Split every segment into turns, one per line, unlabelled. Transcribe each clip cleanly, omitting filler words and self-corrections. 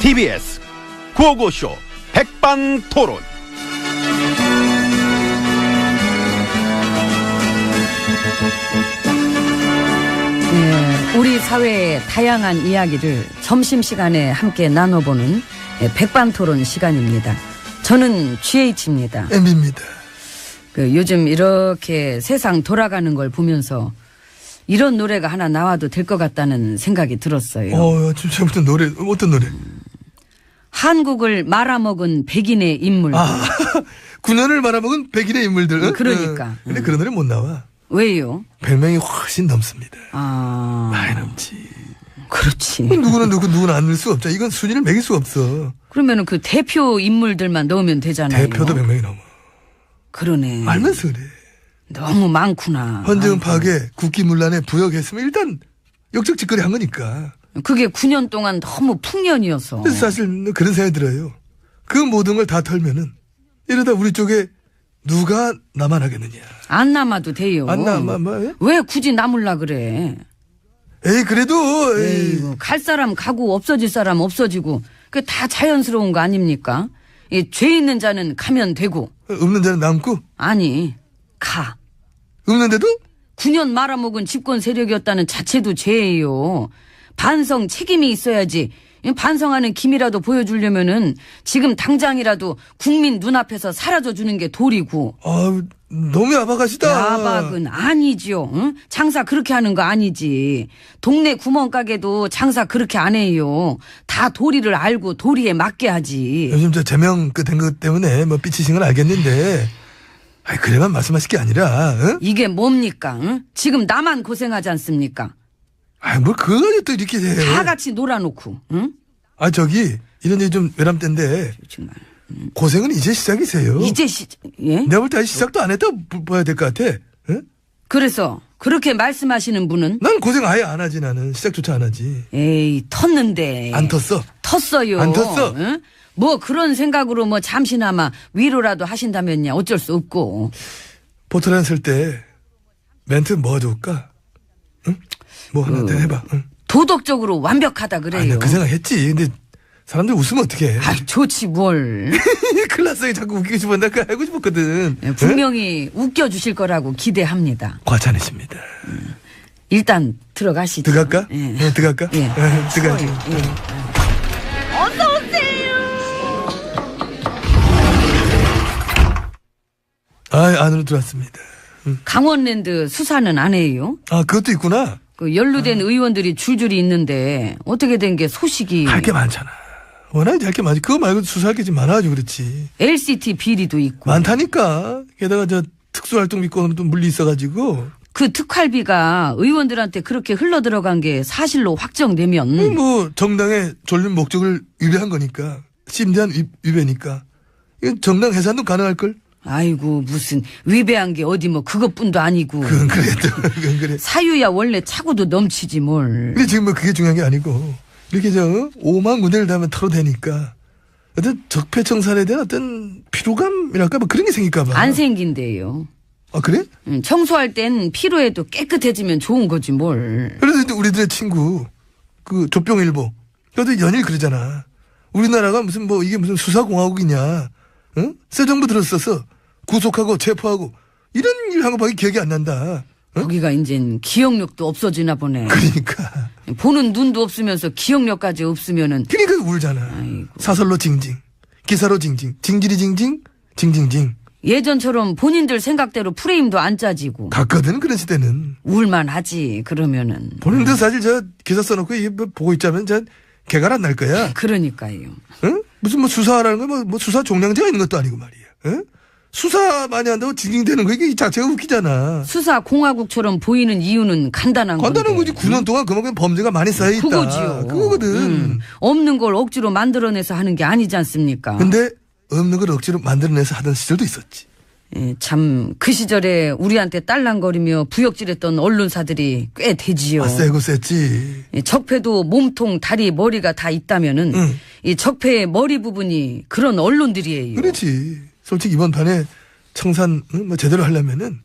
TBS 구호고쇼 백반토론.
네, 우리 사회의 다양한 이야기를 점심시간에 함께 나눠보는 백반토론 시간입니다. 저는 GH입니다.
MB입니다.
요즘 이렇게 세상 돌아가는 걸 보면서 이런 노래가 하나 나와도 될 것 같다는 생각이 들었어요.
지금부터 노래, 어떤 노래?
한국을 말아먹은 백인의 인물.
9년을 말아먹은 백인의 인물들.
그러니까.
근데 그런 노래 못 나와.
왜요?
100명이 훨씬 넘습니다. 많이
아,
넘지.
그렇지.
누구는 안 넣을 수 없죠. 이건 순위를 매길 수가 없어.
그러면은 그 대표 인물들만 넣으면 되잖아요.
대표도 100명이 넘어.
그러네.
알면서 그래.
너무 많구나.
헌정 파괴, 국기문란에 부역했으면 일단 역적짓거리 한 거니까.
그게 9년 동안 너무 풍년이어서.
그래서 사실 그런 생각이 들어요. 그 모든 걸 다 털면은 이러다 우리 쪽에 누가 나만 하겠느냐.
안 남아도 돼요.
안 남아,
왜 굳이 남을라 그래.
에이, 그래도.
에이구, 갈 사람 가고 없어질 사람 없어지고 그 다 자연스러운 거 아닙니까? 죄 있는 자는 가면 되고.
없는 자는 남고.
아니, 가.
없는데도?
9년 말아먹은 집권 세력이었다는 자체도 죄예요. 반성 책임이 있어야지. 반성하는 김이라도 보여주려면은 지금 당장이라도 국민 눈앞에서 사라져주는 게 도리고.
너무 야박하시다.
야박은 아니지요. 응? 장사 그렇게 하는 거 아니지. 동네 구멍가게도 장사 그렇게 안 해요. 다 도리를 알고 도리에 맞게 하지.
요즘 제명 된 것 때문에 삐치신 건 알겠는데, 그래만 말씀하실 게 아니라, 응?
이게 뭡니까? 응? 지금 나만 고생하지 않습니까?
그걸 또 이렇게 해.
다 같이 놀아놓고. 응?
이런 얘기 좀 외람 때인데,
정말.
고생은 이제 시작이세요.
예?
내가 볼 때 아직 시작도 안 했다 봐야 될 것 같아. 응?
그래서 그렇게 말씀하시는 분은?
난 고생 아예 안 하지, 나는. 시작조차 안 하지.
에이, 텄는데.
안 텄어.
텄어요.
안 텄어.
응? 뭐 그런 생각으로 잠시나마 위로라도 하신다면야 어쩔 수 없고.
포토란 쓸 때 멘트 뭐가 좋을까? 응? 뭐 하나 더 해봐. 응?
도덕적으로 완벽하다 그래요.
그 생각 했지. 근데 사람들 웃으면 어떡해.
좋지 뭘.
클라스에 자꾸 웃기고 싶었는데 그거 알고 싶었거든.
분명히 웃겨주실 거라고 기대합니다.
과찬이십니다.
일단 들어가시죠.
들어갈까?
예.
네, 들어갈까?
예.
들어가지. 안으로 들어왔습니다.
강원랜드 수사는 안 해요?
그것도 있구나.
그 연루된 의원들이 줄줄이 있는데 어떻게 된 게 소식이.
할 게 많잖아. 워낙 할 게 많지. 그거 말고 수사할 게 좀 많아가지고 그렇지.
LCT 비리도 있고.
많다니까. 게다가 특수활동비권은 또 물리 있어가지고.
그 특활비가 의원들한테 그렇게 흘러 들어간 게 사실로 확정되면.
정당의 존립 목적을 위배한 거니까. 심대한 위배니까. 이건 정당 해산도 가능할걸?
아이고 무슨 위배한 게 어디 그것뿐도 아니고.
그건 그건 그래.
사유야 원래 차고도 넘치지 뭘.
근데 지금 그게 중요한 게 아니고 이렇게 5만 군데를 다 하면 털어대니까 어떤 적폐청산에 대한 어떤 피로감이랄까 그런 게 생길까 봐.
안 생긴대요.
그래?
청소할 땐 피로해도 깨끗해지면 좋은 거지 뭘.
그래서 이제 우리들의 친구 그 조병일보 그것도 연일 그러잖아. 우리나라가 이게 무슨 수사공화국이냐. 응? 새 정부 들었어서 구속하고 체포하고 이런 일 한 거밖에 기억이 안 난다. 응?
거기가 이젠 기억력도 없어지나 보네.
그러니까
보는 눈도 없으면서 기억력까지 없으면은.
그러니까 울잖아.
아이고.
사설로 징징, 기사로 징징, 징질이 징징, 징징징.
예전처럼 본인들 생각대로 프레임도 안 짜지고.
갔거든 그런 시대는.
울만하지 그러면은.
본인들 사실 기사 써놓고 이게 보고 있자면 개가 안 날 거야.
그러니까요.
응? 무슨 수사하라는 거 수사 종량제가 있는 것도 아니고 말이야. 응? 수사 많이 한다고 징징대는 거 이게 자체가 웃기잖아.
수사 공화국처럼 보이는 이유는 간단한 거지.
9년 동안 그만큼 범죄가 많이 쌓여 있다.
그거지요.
그거거든.
없는 걸 억지로 만들어내서 하는 게 아니지 않습니까?
근데 없는 걸 억지로 만들어내서 하던 시절도 있었지.
참 그 시절에 우리한테 딸랑거리며 부역질했던 언론사들이 꽤 되지요.
세고 셌지.
적폐도 몸통, 다리, 머리가 다 있다면은 이 적폐의 머리 부분이 그런 언론들이에요.
그렇지. 솔직히 이번 판에 청산 제대로 하려면은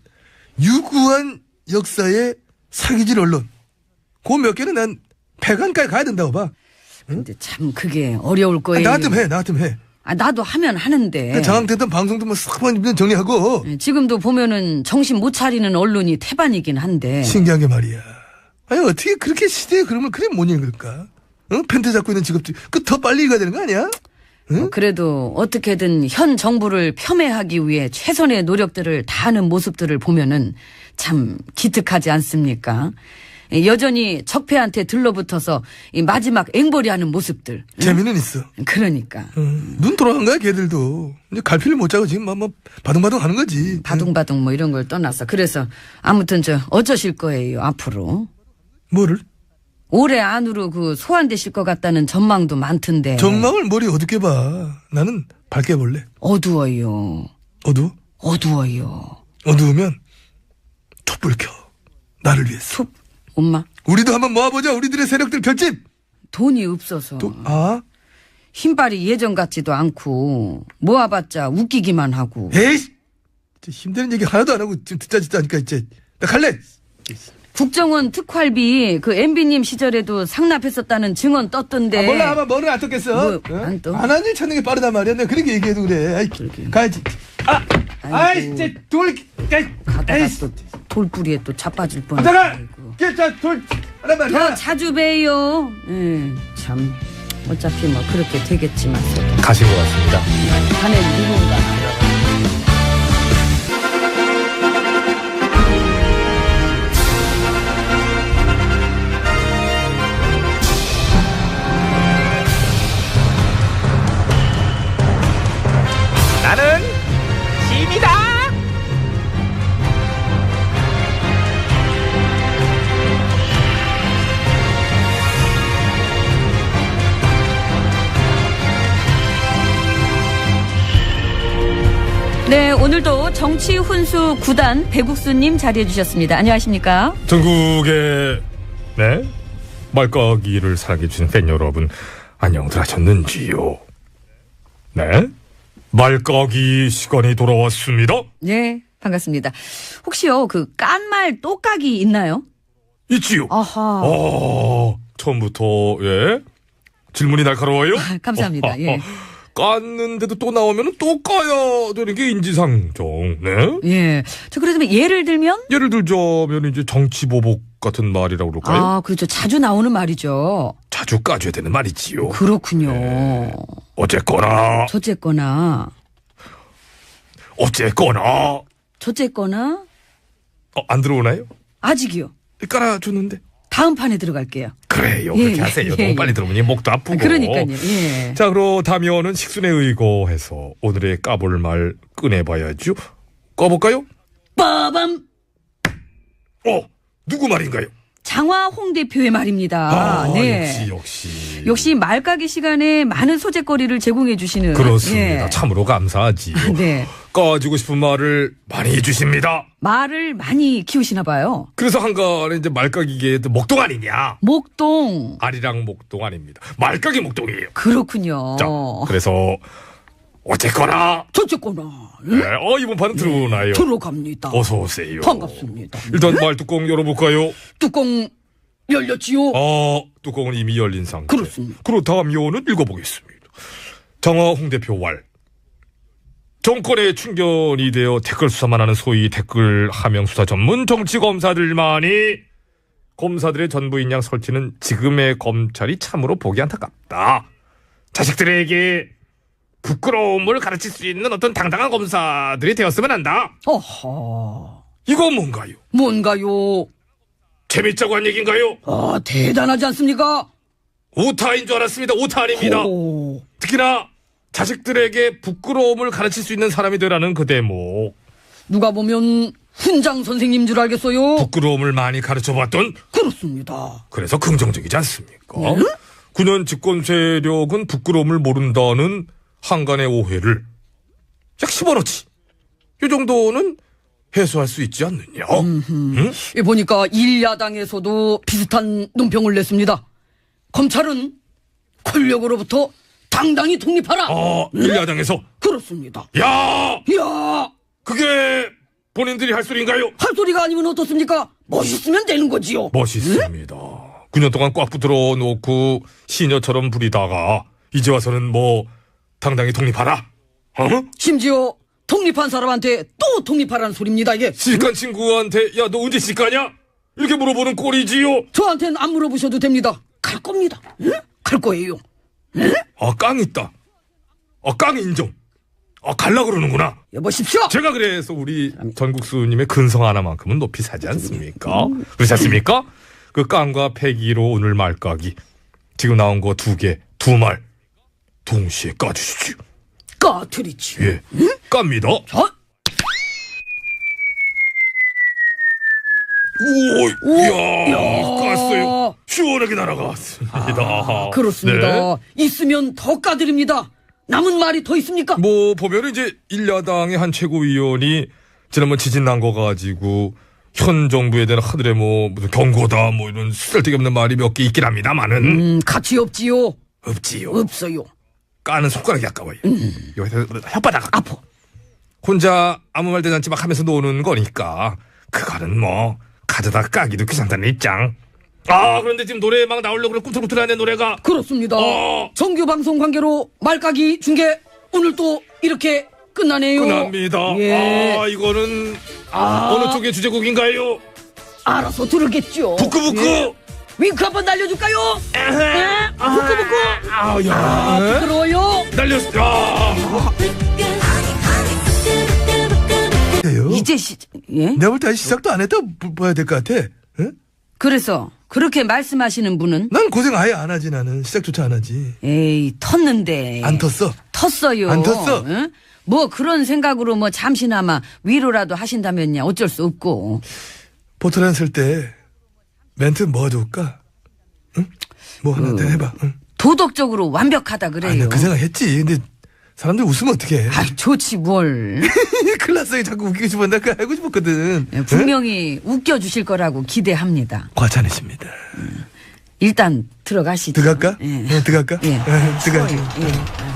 유구한 역사의 사기질 언론 그 몇 개는 난 폐간까지 가야 된다고 봐.
근데 참 그게 어려울 거예요.
나 같으면 해.
나도 하면 하는데.
장악됐던 방송도 뭐 싹 정리하고.
지금도 보면은 정신 못 차리는 언론이 태반이긴 한데.
신기한 게 말이야. 아니, 어떻게 그렇게 시대에 그러면 그래 못 읽을까? 펜트 잡고 있는 직업들, 더 빨리 읽어야 되는 거 아니야? 응?
그래도 어떻게든 현 정부를 폄훼하기 위해 최선의 노력들을 다하는 모습들을 보면은 참 기특하지 않습니까? 여전히 적폐한테 들러붙어서 이 마지막 앵벌이하는 모습들.
재미는 있어.
그러니까.
눈 돌아간 거야, 걔들도. 이제 갈피를 못 짜고 지금 뭐 바둥바둥 하는 거지.
바둥바둥 뭐 이런 걸 떠나서. 그래서 아무튼 어쩌실 거예요, 앞으로.
뭐를?
올해 안으로 소환되실 것 같다는 전망도 많던데.
전망을 머리 어둡게 봐. 나는 밝게 볼래.
어두워요.
어두워?
어두워요.
어두우면 촛불 켜. 나를 위해서.
엄마.
우리도 한번 모아보자. 우리들의 세력들 결집.
돈이 없어서. 힘빨이 예전 같지도 않고 모아봤자 웃기기만 하고.
에이, 힘드는 얘기 하나도 안 하고 지금 듣자 하니까 이제 나 갈래.
국정원 특활비 MB님 시절에도 상납했었다는 증언 떴던데.
몰라, 아마 뭐는 안 떴겠어.
안 떠?
안 하는 일 찾는 게 빠르단 말이야. 내가 그렇게 얘기해도 그래. 아이, 가야지. 아이, 진짜
가다가 또 돌뿌리에 또 자빠질 뻔.
가다가 돌 하란 말이야.
더 자주 봬요. 참 어차피 뭐 그렇게 되겠지만.
가신 것 같습니다.
자네 누군가.
나는 짐이다.
네, 오늘도 정치 훈수 9단 배국수님 자리해 주셨습니다. 안녕하십니까?
전국의 말까기를 사랑해주신 팬 여러분, 안녕들 하셨는지요? 네, 말까기 시간이 돌아왔습니다.
네, 반갑습니다. 혹시요, 깐말 똑까기 있나요?
있지요.
아하.
처음부터 질문이 날카로워요.
감사합니다. 예.
깠는데도 또 나오면 또 까야 되는 게 인지상정. 네.
예. 그러면 예를 들면?
예를 들자면 이제 정치보복 같은 말이라고 그럴까요?
그렇죠. 자주 나오는 말이죠.
자주 까줘야 되는 말이지요.
그렇군요.
네. 어쨌거나. 안 들어오나요?
아직이요.
깔아줬는데.
다음 판에 들어갈게요.
그래요. 그렇게 하세요. 너무 빨리 들어오니 목도 아프고.
그러니까요. 예.
자, 그렇다면은 식순에 의거해서 오늘의 까볼 말 꺼내봐야죠. 까볼까요?
빠밤.
누구 말인가요?
장화홍 대표의 말입니다. 네. 역시 말까기 시간에 많은 소재거리를 제공해 주시는.
그렇습니다. 참으로 감사하지요.
네.
까지고 싶은 말을 많이 해주십니다.
말을 많이 키우시나 봐요.
그래서 한간에 이제 말까기계의 목동 아니냐?
목동.
아리랑 목동 아닙니다. 말까기 목동이에요.
그렇군요.
자, 그래서 어쨌거나.
네?
이번 판은 들어오나요?
들어갑니다.
어서 오세요.
반갑습니다.
일단 말 뚜껑 열어볼까요?
뚜껑 열렸지요?
뚜껑은 이미 열린 상태.
그렇습니다.
그렇다면은 읽어보겠습니다. 장화홍 대표 왈. 정권의 충견이 되어 댓글 수사만 하는 소위 댓글 하명 수사 전문 정치 검사들만이 검사들의 전부인 양 설치는 지금의 검찰이 참으로 보기 안타깝다. 자식들에게 부끄러움을 가르칠 수 있는 어떤 당당한 검사들이 되었으면 한다.
어허.
이건 뭔가요?
뭔가요?
재밌자고 한 얘기인가요?
대단하지 않습니까?
오타인 줄 알았습니다. 오타 아닙니다. 특히나 자식들에게 부끄러움을 가르칠 수 있는 사람이 되라는 그 대목.
누가 보면 훈장 선생님 줄 알겠어요?
부끄러움을 많이 가르쳐봤던?
그렇습니다.
그래서 긍정적이지 않습니까? 9년 집권 세력은 부끄러움을 모른다는 한간의 오해를 약 10원어치 이 정도는 해소할 수 있지 않느냐. 응?
보니까 일야당에서도 비슷한 논평을 냈습니다. 검찰은 권력으로부터 당당히 독립하라.
일야당에서?
그렇습니다.
야!
그게
본인들이 할 소리인가요?
할 소리가 아니면 어떻습니까? 멋있으면 되는 거지요.
멋있습니다. 9년 동안 꽉 붙들어 놓고 시녀처럼 부리다가 이제 와서는 뭐 당당히 독립하라. 어?
심지어 독립한 사람한테 또 독립하라는 소리입니다, 이게.
시집간 친구한테 야 너 언제 시집 가냐? 이렇게 물어보는 꼴이지요.
저한테는 안 물어보셔도 됩니다. 갈 겁니다. 응? 갈 거예요. 응?
아, 깡 있다. 깡 인정. 갈라 그러는구나.
여보십시오.
제가 그래서 우리 전국수님의 근성 하나만큼은 높이 사지 않습니까? 그렇지 않습니까? 그 깡과 패기로 오늘 말까기. 지금 나온 거 2개, 2말 동시에 까주시죠.
까트리치.
예, 깝니다.
저?
오, 이야, 깠어요. 시원하게 날아갔습니다.
그렇습니다.
네.
있으면 더 까드립니다. 남은 말이 더 있습니까?
뭐 보면 이제 일야당의 한 최고위원이 지난번 지진 난 거 가지고 현 정부에 대한 하늘에 뭐 무슨 경고다 뭐 이런 쓸데없는 말이 몇 개 있긴 합니다만은
가치 없지요.
없지요.
없어요.
까는 손가락이 아까워요. 여기서 혓바닥
아파.
혼자 아무 말 대잔치 막 하면서 노는 거니까 그거는 뭐 가져다 까기도 귀찮다는 입장. 그런데 지금 노래 막 나오려고 그래 꿈틀꿈틀하네 노래가.
그렇습니다. 정규 방송 관계로 말까기 중계 오늘 또 이렇게 끝나네요.
끝납니다.
예.
이거는 어느 쪽의 주제곡인가요?
알아서 들을겠죠.
부끄부끄.
예. 윙크 한번 날려줄까요? 부끄부끄.
야.
부끄러워요.
날렸어.
해요.
이제 예?
내가 볼 때 아직 시작도 안 했다 봐야 될 것 같아. 응?
그래서 그렇게 말씀하시는 분은
난 고생 아예 안 하지 나는. 시작조차 안 하지.
에이 텄는데
안 텄어.
텄어요.
안 텄어.
응? 뭐 그런 생각으로 뭐 잠시나마 위로라도 하신다면야 어쩔 수 없고.
포토란 쓸 때 멘트 뭐가 좋을까? 응? 뭐 하나 더 해봐. 응.
도덕적으로 완벽하다 그래요.
나그 생각 했지. 근데 사람들 웃으면 어떡해.
아이 좋지 뭘.
클라스에 자꾸 웃기고 싶었는데 그거 알고 싶었거든.
예, 분명히 웃겨주실 거라고 기대합니다.
과찬했습니다.
일단 들어가시죠.
들어갈까?
예.
네, 들어갈까?
예.
들어가지.
예.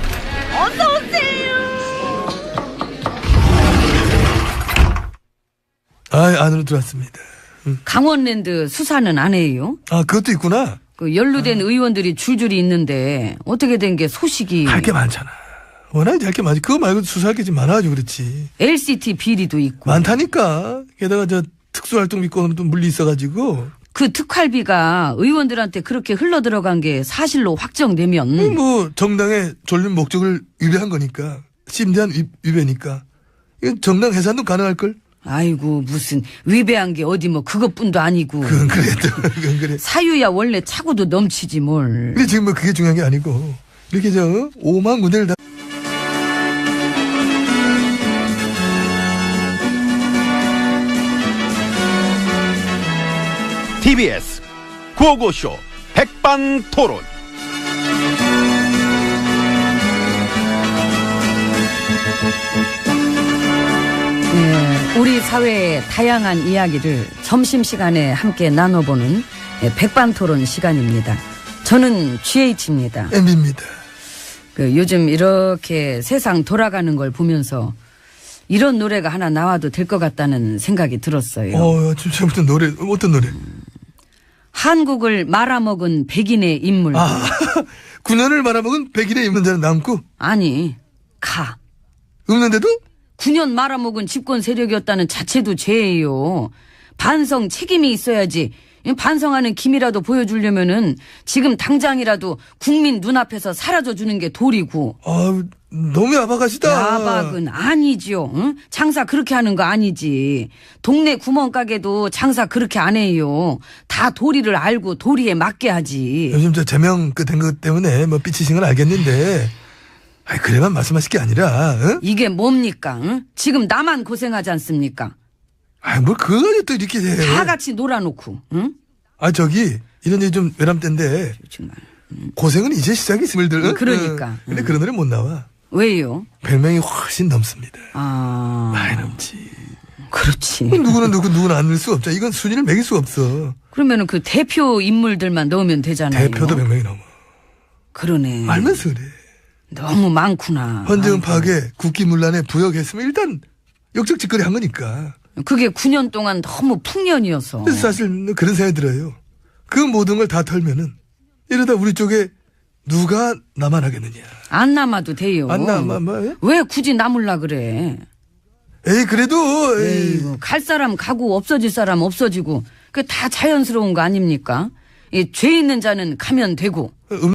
안으로 들어왔습니다.
강원랜드 수사는 안 해요.
그것도 있구나.
그 연루된 의원들이 줄줄이 있는데 어떻게 된 게 소식이.
할 게 많잖아. 워낙 할 게 많지. 그거 말고 수사할 게 좀 많아가지고 그렇지.
LCT 비리도 있고.
많다니까. 게다가 특수활동 비건으로 또 물리 있어가지고.
그 특활비가 의원들한테 그렇게 흘러 들어간 게 사실로 확정되면
뭐 정당의 존립 목적을 위배한 거니까. 심대한 위배니까. 이건 정당 해산도 가능할걸?
아이고 무슨 위배한 게 어디 뭐 그것뿐도 아니고.
그건 그래. 그건 그래.
사유야 원래 차고도 넘치지 뭘.
근데 지금 뭐 그게 중요한 게 아니고. 이렇게 5만 군데를 다.
TBS 구호고쇼 백반토론.
우리 사회의 다양한 이야기를 점심시간에 함께 나눠보는 백반토론 시간입니다. 저는 GH입니다.
MB입니다.
요즘 이렇게 세상 돌아가는 걸 보면서 이런 노래가 하나 나와도 될 것 같다는 생각이 들었어요.
지금부터 노래, 어떤 노래?
한국을 말아먹은 백인의 인물.
9년을 말아먹은 백일의 입문자는 남고?
아니, 가.
없는데도?
9년 말아먹은 집권 세력이었다는 자체도 죄예요. 반성 책임이 있어야지. 반성하는 김이라도 보여주려면은 지금 당장이라도 국민 눈앞에서 사라져주는 게 도리고.
너무 야박하시다.
야박은 아니죠. 응? 장사 그렇게 하는 거 아니지. 동네 구멍가게도 장사 그렇게 안 해요. 다 도리를 알고 도리에 맞게 하지.
요즘 제명 된 것 때문에 뭐 삐치신 건 알겠는데, 그래만 말씀하실 게 아니라, 응?
이게 뭡니까? 응? 지금 나만 고생하지 않습니까?
뭘 그거 가지고 또 이렇게 해.
다 같이 놀아놓고. 응?
이런 일이 좀 외람된데,
정말.
고생은 이제 시작이 스물들. 응?
그러니까.
근데 그런 노래 못 나와.
왜요?
100명이 훨씬 넘습니다.
많이
넘지.
그렇지.
누구는 안 넣을 수 없죠. 이건 순위를 매길 수 없어.
그러면은 그 대표 인물들만 넣으면 되잖아요.
대표도 100명이 넘어.
그러네.
알면서 그래.
너무 많구나.
헌정 파괴, 국기문란에 부역했으면 일단 역적 짓거리 한 거니까.
그게 9년 동안 너무 풍년이어서.
그래서 사실 그런 생각이 들어요. 그 모든 걸 다 털면은 이러다 우리 쪽에 누가 남아나겠느냐.
안 남아도 돼요.
안 남아, 뭐?
왜 굳이 남을라 그래?
에이, 그래도, 에이.
에이구, 갈 사람 가고 없어질 사람 없어지고 그 다 자연스러운 거 아닙니까? 이 죄 있는 자는 가면 되고